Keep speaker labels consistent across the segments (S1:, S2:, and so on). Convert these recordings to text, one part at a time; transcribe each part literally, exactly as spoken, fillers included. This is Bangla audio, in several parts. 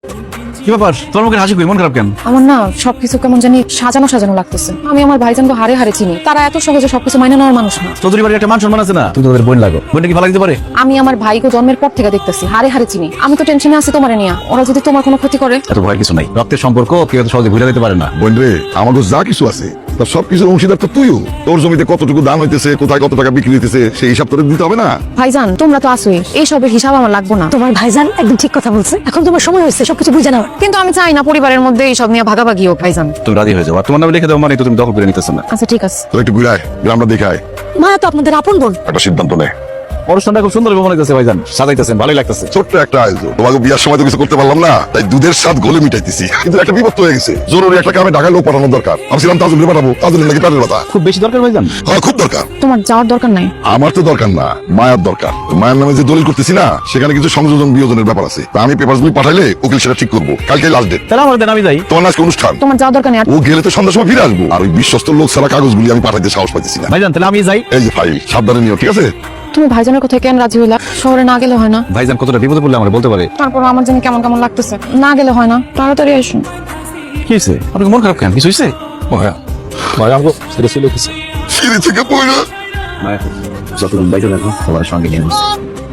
S1: কি ব্যাপার, তোর মুখে হাসি কই, মন খারাপ কেন?
S2: আমার না সবকিছু কেমন জানি সাজানো সাজানো লাগতেছে। আমি আমার ভাইজানকে হারে হারে চিনি, তারা এত সহজে সবকিছু মাইনে নেওয়ার মানুষ না।
S1: চৌধুরী বাড়ির একটা মান সম্মান আছে না, তুই তোদের বোন লাগো, বোনটা কি ভালো দিতে পারে?
S2: আমি আমার ভাইকে জন্মের পর থেকে দেখতেছি হারে হারে চিনি। আমি তো টেনশনে আছি তোমারে নিয়ে, ওরা যদি তোমার কোনো ক্ষতি করে।
S1: এত ভয়ের কিছু নাই, রক্তের সম্পর্ক কেউ এত সহজে ভুলে যেতে পারে না।
S3: বোন রে, আমাকে যা কিছু আছে তার সবকিছুর অংশীদার তো তুইও। তোর জমিতে কতটুকু দাম হইতেছে, কোথায় কত টাকা বিক্রি হইতেছে, সেই হিসাব তোর দিতে হবে না?
S2: ভাইজান তোমরা তো আসোই, এই সবের হিসাব আমার লাগবো না।
S4: তোমার ভাইজান একদম ঠিক কথা বলছে, এখন তোমার সময় হয়েছে সবকিছু বুঝে নাও।
S2: কিন্তু আমি চাই না পরিবারের মধ্যে এই সব নিয়ে ভাগাভাগি হোক। ভাইজান
S1: তুমি রাজি হয়ে যাও, আর তোমার নামে লিখে দাও, মানে তো তুমি দখল করে নিতেছ না।
S2: আচ্ছা ঠিক আছে।
S3: তোর একটু ঘুরায় গ্রামটা দেখায়,
S4: মায়া তো আপনাদের আপন বোন।
S3: একটা সিদ্ধান্ত নে।
S1: অনুষ্ঠানটা খুব সুন্দর মনে হইতেছে ভাইজান, সাজাইতেছেন, ভালোই লাগতেছে।
S3: ছোট্ট একটা আয়োজন, তোমাকে বিয়ার সময় তো কিছু করতে পারলাম না, তাই দুধের স্বাদ গলে মিটাইতেছি। কিন্তু একটা বিপদ হয়ে গেছে, জরুরি একটা কামে ঢাকায় লোক পাঠানো দরকার। আমি ছিলাম তাজুল পাঠাবো, তাজুলের নাকি পেটের ব্যথা।
S1: খুব বেশি দরকার ভাইজান?
S3: হ্যাঁ খুব দরকার।
S2: তোমার যাওয়ার দরকার নাই।
S3: আমার তো দরকার না, মায়ের দরকার। মায়ের নামে যে দলিল করতেছি না, সেখানে কিছু সংযোজন বিয়োজনের ব্যাপার আছে। তা আমি পেপার গুলি পাঠাইলে উকিল সেটা ঠিক করবো। কালকে লাস্ট ডেট।
S1: তাহলে আমার দেন, আমি যাই।
S3: তোমার আজকে অনুষ্ঠান,
S2: তোমার যাওয়ার দরকার নেই। আর
S3: ও গেলে তো সন্ধ্যার সময় ফিরে আসবো। আর ওই বিশ্বস্ত লোক ছাড়া কাগজগুলি আমি পাঠাইতে সাহস পাইতেছি না।
S1: ভাইজান তাহলে আমি যাই।
S3: এই যে ফাইল, সাবধানে নিও, ঠিক আছে?
S2: তুমি ভাইজানের কথায় কেন রাজি হইলা? শহরে না গেলে হয় না?
S1: ভাইজান কতটা বিপদে পড়লে আমার বলতে পারে।
S2: তারপর আমার জন্য কেমন কেমন লাগতেছে, না গেলে হয় না। তাড়াতাড়ি আসুন।
S1: কি হয়েছে আপনার, মন খারাপ কেন? কিছু হয়েছে?
S5: মায়া মায়া আমাকে ছেড়ে চলে গেছে।
S3: ফিরে থেকে পড়া
S1: মায়া যতদিন বাইরে রাখবো তোমার সঙ্গে নিয়ে বসে।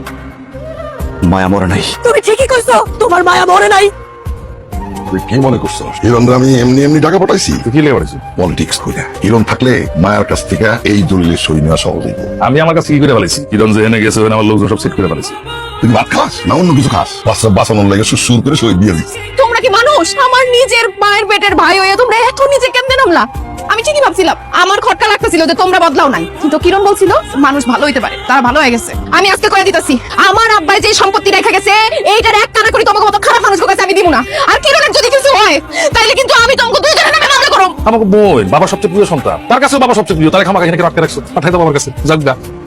S1: মায়া মরে নাই।
S4: তুমি ঠিকই কইছো, তোমার মায়া মরে নাই।
S3: তুই কি মনে করছো হিরণরা আমি এমনি এমনি টাকা পাঠাইছি?
S5: তুই কি লেগে পড়েছিস?
S3: পলিটিক্স কইরা হিরণ থাকলে মায়ের কাছ থেকে এই দলিলের সই নেওয়া সহজ হইব।
S5: আমি আমার কাছে কি করে ফেলেছি, কিরণ যে এনে গেছে ওখানে আমার লোকজন সব সেট করে ফেলেছি।
S3: তুই ভাত খাস না অন্য কিছু খাস? বাচ্চা বাঁচানোর লাগে সুর করে সই দিয়ে দিস।
S2: তোমরা কি মানুষ? আমার নিজের মায়ের পেটের ভাই হয়ে তোমরা এত নিচে কেমনে নামলা? আমি ঠিকই ভাবছিলাম, আমার খটকা লাগতেছিল যে তোমরা বদলাও নাই, কিন্তু কিরণ বলছিল মানুষ ভালো হইতে পারে, তারা ভালো হয়ে গেছে। আমি আজকে করে দিতেছি, আমার আব্বাই যে সম্পত্তি রেখে গেছে এইটার এক কানা করে তোমাকে মতো খারাপ মানুষ কাছে আমি দিব না। আর কিরণের যদি কিছু হয় তাইলে কিন্তু আমি তোমাকে দুজনের নামে মামলা করব।
S5: আমাকে বোন, বাবা সবচেয়ে প্রিয় সন্তান, তার কাছে বাবা সবচেয়ে প্রিয়, তার খামাখা এখানে রাখতে রাখছো, পাঠাই দাও আমার কাছে, যাক গা।